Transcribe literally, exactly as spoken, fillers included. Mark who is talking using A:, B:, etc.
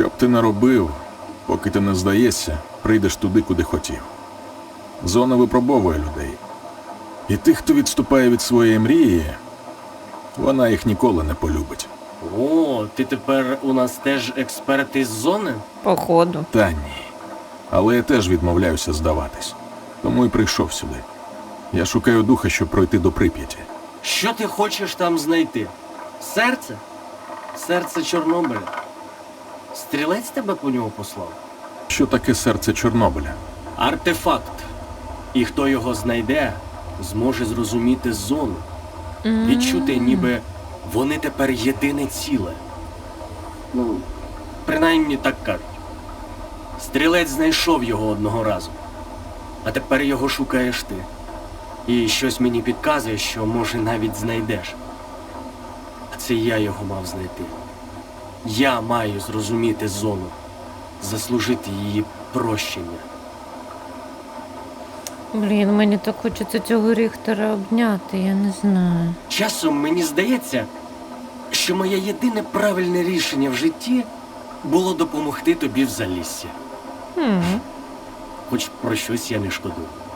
A: Що б ти не робив, поки ти не здаєшся, прийдеш туди, куди хотів. Зона випробовує людей. І тих, хто відступає від своєї мрії, вона їх ніколи не полюбить.
B: О, ти тепер у нас теж експерт із зони?
C: Походу.
A: Та ні. Але я теж відмовляюся здаватись. Тому і прийшов сюди. Я шукаю духа, щоб пройти до Прип'яті.
B: Що ти хочеш там знайти? Серце? Серце Чорнобиля? Стрілець тебе по нього послав?
A: Що таке серце Чорнобиля?
B: Артефакт. І хто його знайде, зможе зрозуміти зону. Відчути, ніби вони тепер єдине ціле. Ну, принаймні так кажуть. Стрілець знайшов його одного разу. А тепер його шукаєш ти. І щось мені підказує, що, може, навіть знайдеш. А це я його мав знайти. Я маю зрозуміти зону. Заслужити її прощення.
C: Блін, мені так хочеться цього Ріхтера обняти, я не знаю.
B: Часом мені здається, що моє єдине правильне рішення в житті було допомогти тобі в Заліссі.
C: Хм.
B: Хоч про щось я не шкодую.